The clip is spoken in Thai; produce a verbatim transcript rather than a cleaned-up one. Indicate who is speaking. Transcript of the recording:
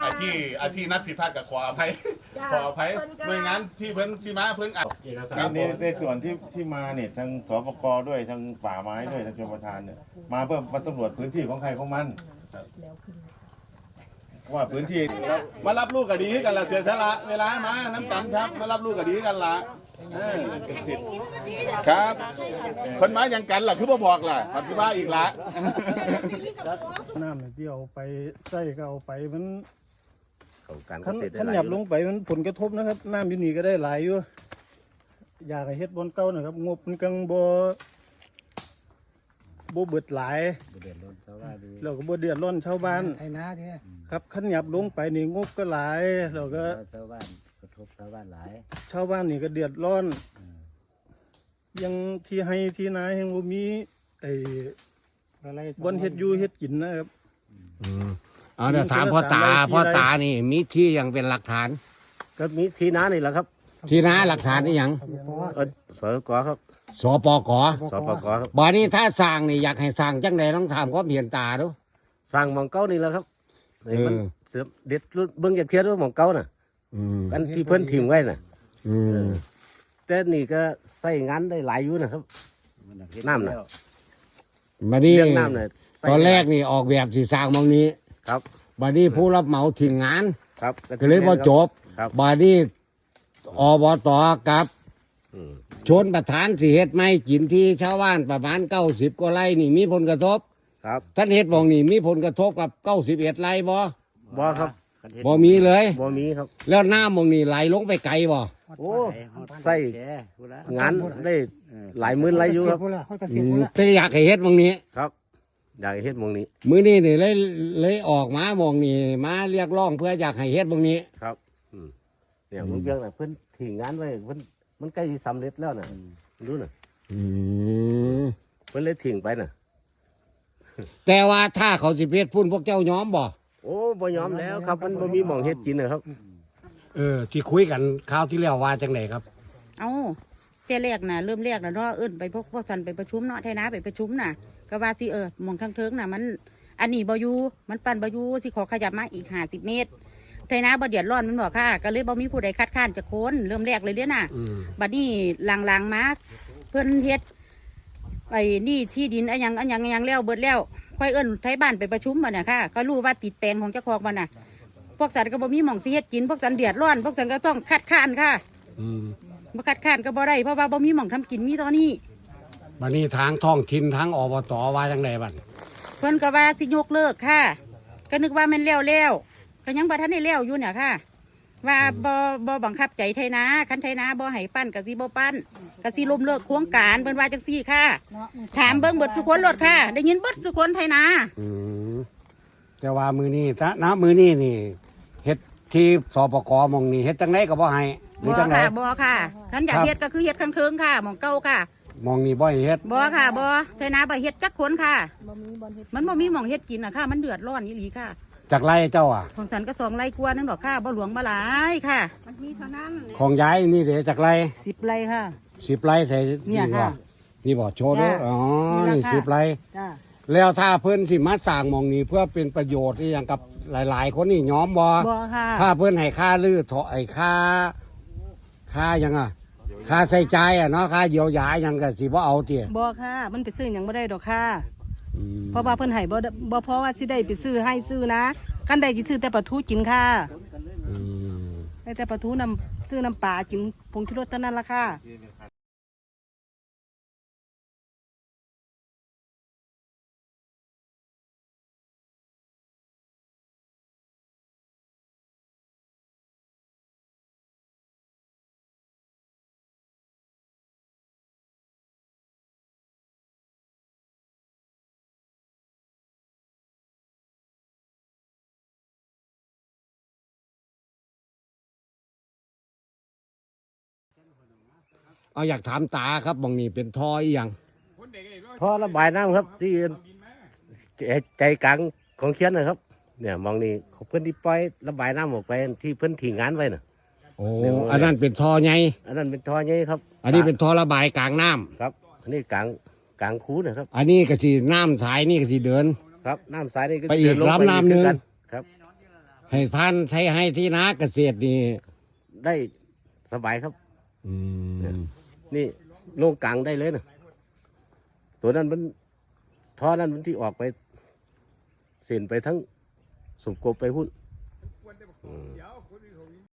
Speaker 1: อาที่อาที่นัดผิดพลาดกับขออภัยขออภัยหน่วยงานที่เพิ่นที่มาเพิ่นอ่ะ
Speaker 2: ในในส่วนที่ที่มาเนี่ยทางสปกด้วยทางป่าไม้ด้วยทางชลประทานเนี่ยมาเพื่อมาสำรวจพื้นที่ของใครของมันว่าพื้นที่
Speaker 1: มารับลูกก็ดีกันละเสียสละเวลามาน้ำกันครับมารับลูกก็ดีกันละครับคนมาอย่างกันล่ะคือบ่บอกล่ะปฏิบัติอีกละ
Speaker 3: น้ำที่เอาไปใส่ก็เอาไปมัน
Speaker 4: การ
Speaker 3: ขัน
Speaker 4: เกษตรได้
Speaker 3: ขัน
Speaker 4: หลาย
Speaker 3: หยับลงไปมันผลกระทบนะครับน้ำอยู่นี่ก็ได้หลายอยู่อยากให้เฮ็ดบนเก่านะครับงบมันกังบ่บ่เบิดหลาย
Speaker 4: เดือดร้อนชาวบ้านดี
Speaker 3: เราก็บ่เดือดร้อนชาวบ้าน
Speaker 5: ไอ้น้าเนี่ย
Speaker 3: ครับขันหยับลงไปนี่งบก็หลายเราก็
Speaker 4: ชาวบ้านกระทบชาวบ้านหลาย
Speaker 3: ชาวบ้านนี่ก็เดือดร้อนยังที่ให้ที่นายังบ่มีไอ้บนเฮ็ดอยู่เฮ็ดกินนะครับ
Speaker 5: อืมเอาเดี๋ยวถามพ่อตาพ่อตานี่มีที่ยังเป็นหลักฐาน
Speaker 4: ก็มีที่น้านี่แหละครับ
Speaker 5: ที่น้าหลักฐานนี่ยัง
Speaker 4: เออสกครับ
Speaker 5: สปก
Speaker 4: สปกครับ
Speaker 5: บ่อนี้ถ้าสร้างนี่อยากให้สร้างจังใดต้องถามความเห็นตาดู
Speaker 4: สร้างหมองเก้านี่แหละครับนี่มัน
Speaker 5: เออ
Speaker 4: เสือเด็ดเบิ้งจากเทียนว่าหมองเก้าน่ะ
Speaker 5: อืม
Speaker 4: กันที่เพิ่นถิ่มไว้น่ะ
Speaker 5: อืม
Speaker 4: แต่นี่ก็ใส่งานได้หลายอยู่นะครับน้ำน่ะ
Speaker 5: บัดนี้
Speaker 4: เรื่องน้ำน่ะใส่
Speaker 5: ตอนแรกนี่ออกแบบสิสร้างหมองนี้
Speaker 4: ครับ
Speaker 5: บัดนี้ผู้รับเหมาทิ้งงาน
Speaker 4: ครับ
Speaker 5: ก็เลยบ่จบ
Speaker 4: ครับ
Speaker 5: บัดนี้อบตกับ
Speaker 4: อืม
Speaker 5: ชนประธานสิเฮ็ดไม่กินที่ชาวบ้านประมาณเก้าสิบกว่าไร่นี่มีผลกระทบ
Speaker 4: ครับ
Speaker 5: ท่านเฮ็ดหมองนี่มีผลกระทบกับเก้าสิบเอ็ดไร่บ่
Speaker 4: บ่ครับ
Speaker 5: บ่มีเลย
Speaker 4: บ่มีครับ
Speaker 5: แล้วน้ำหมองนี่ไหลลงไปไกลบ่
Speaker 4: โอ้ใส่งานได้หลายหมื่นหลายอยู่ครับ
Speaker 5: อืมแต่อยากให้เฮ็ดหมองนี้
Speaker 4: ครับอยากให้เฮ็ดหมองนี้
Speaker 5: มื้อนี้นี่เลยเลยออกมาหมองนี่มาเรียกร้องเพื่ออยากให้เฮ็ดหมองนี้
Speaker 4: ครับอืมเนี่ยมึงเพียงน่ะเพิ่นทิ้งงานไว้เพิ่นมันใกล้สิสำเร็จแล้วน่ะดูน่ะ
Speaker 5: อืม
Speaker 4: เพิ่นเลยทิ้งไปน่ะ
Speaker 5: แต่ว่าถ้าเขาสิเฮ็ดพุ่นพวกเจ้ายอมบ่
Speaker 4: โอ้บ่ยอมแล้วครับมันบ่มีหม่องเฮ็ดกินนะครับ
Speaker 5: เออที่คุยกันคราวที่แล้วว่าจังไดครับ
Speaker 6: เอาเจ้าแรกน่ะเริ่มแรกน่ะเนาะเอิ้นไปพวกพวกสันไปประชุมเนาะไทยนาไปประชุมน่ะก็ว่าสิเออหมองทางเทิงน่ะมัน อันนี้บ่อยู่มันปั่นบ่อยู่สิขอขยับมาอีกห้าสิบเมตรไทยนาบ่เดือดร้อนมันบอกค่ะ ก็เลยบ่มีผู้ใดคัดค้านจะโคนเริ่มแรกเลยเด้อน่ะ
Speaker 5: อืม
Speaker 6: บัดนี้หลังๆมาเพิ่นเฮ็ดไอ้นี่ที่ดินอะหยังอะหยังอะหยังแล้วเบิดแล้วค่อยเอิ้นไทยบ้านไปประชุมบ่น่ะค่ะก็รู้ว่าติดแปลงของเจ้าของบ่น่ะพวกสันก็บ่มีหม่องสิเฮ็ดกินพวกสันเดือดร้อนพวกสันก็ต้องคัดค้านค่ะ
Speaker 5: อืม
Speaker 6: บ่คัดค้านก็บ่ได้เพราะว่าบ่มีหม่องทำกินมีตอนนี้
Speaker 5: บัดนี้ทางท้องถิ่นทางอบตว่าจังไดบัด
Speaker 6: เพิ่นก็ว่าสิยกเลิกค่ะ ก็นึกว่าแม่นแล้วแล้วก็ยังบ่ทันได้แล้วอยู่เนี่ยค่ะ ว่าบ่บ่บังคับใจไทยนาคันไทยนาบ่ให้ปั้นก็สิบ่ปั้นก็สิล้มเลิกโครงการเพิ่นว่าจังซี่ค่ะ ถามเบิ่งเบิดสุคนรถค่ะ ได้ยินเบิดสุคนไทยนา
Speaker 5: อืมแต่ว่ามือนี้ถ้าณมือนี้นี่เฮ็ดที่สปกหมองนี่เฮ็ดจังไดก็บ่ให้หรือ
Speaker 6: บ่
Speaker 5: จังได
Speaker 6: ค่ะบ่ค่ะคันอยาก
Speaker 5: ครับ
Speaker 6: เฮ็ดก็คือเฮ็ดข้างเทิงค่ะหม่องเก่าค่ะ
Speaker 5: หมองนี่บ่ให้เฮ็ด
Speaker 6: บ่ค่ะบ่ไทยนาบ่เฮ็ดจักคนค่ะมันบ่มีหม่องเฮ็ดกินน่ะค่ะ มันเดือดร้อนอีหลีค่ะ
Speaker 5: จากไรเจ้าอ่ะ
Speaker 6: ของสันก็สองไร่กว่านึงดอกค่ะบ่หลวงบ่หลายค่ะ
Speaker 5: ของย้ายนี่เดี๋ยวจากไร
Speaker 6: สิบไร่ค่ะ
Speaker 5: สิบไรใส่
Speaker 6: เนี่ย
Speaker 5: บ่
Speaker 6: ค่ะ
Speaker 5: นี่บ่โชว์เด้อ
Speaker 6: จ้ะ
Speaker 5: อ๋อ
Speaker 6: นี่
Speaker 5: นี่
Speaker 6: ราคา
Speaker 5: สิบไร
Speaker 6: จ้า
Speaker 5: แล้วถ้าเพิ่นสิมาสร้างหมองนี้เพื่อเป็นประโยชน์อหย่างกับหลาย ๆ คนนี่ยอมบ่
Speaker 6: บ่ค่ะ
Speaker 5: ถ้าเพิ่นให้ค่าลือถอไอ้ค่าค่าหยังอ่ะค่าใส่ใจายอ่ะเนาะค่าเยียวยาหยังก็สิบ่เอาติ
Speaker 7: บ่ค่ะ มันไปซื้อหยังบ่ได้ดอกค่ะ
Speaker 5: อืม
Speaker 7: เพราะว่าเพิ่นให้บ่ได้บ่เพราะว่าสิได้ไปซื้อให้ซื้อนะกันได้สิซื้อแต่ปลาทูกินค่ะ
Speaker 5: อืม
Speaker 7: ได้แต่ปลาทูน้ำซื้อน้ำปลากินผงชูรสเท่านั้นละค่ะ
Speaker 5: เอาอยากถามตาครับหมองนี้เป็นท่ออีหยัง
Speaker 4: พอระบายน้ำครับ ที่ใจใจกลางของเขียนนะครับ เนี่ยหมองนี้เขาเพิ่นที่ปล่อยระบายน้ำออกไปที่เพิ่นทิ้งงานไว้น่ะ
Speaker 5: โอ้อันนั้นเป็นท่อใหญ่
Speaker 4: อันนั้นเป็นท่อใหญ่ครับ
Speaker 5: อันนี้เป็นท่อระบายกลางน้ำ
Speaker 4: ครับ อันนี้กลางกลางคูนะครับ
Speaker 5: อันนี้ก็สิน้ำสายนี่ก็สิเดิน
Speaker 4: ครับน้ำสายนี่ก็
Speaker 5: ไปอีก
Speaker 4: เดิลง
Speaker 5: ลำน้ำหนึ่ง
Speaker 4: คือกัครับ
Speaker 5: ให้พานไทยให้ที่นาเกษตรนี่
Speaker 4: ได้สบายครับ
Speaker 5: อืม
Speaker 4: นี่โล่งกลางได้เลยนะตัวนั้นมันท่อนั้นมันที่ออกไปเส้นไปทั้งสมกบไปหุ้น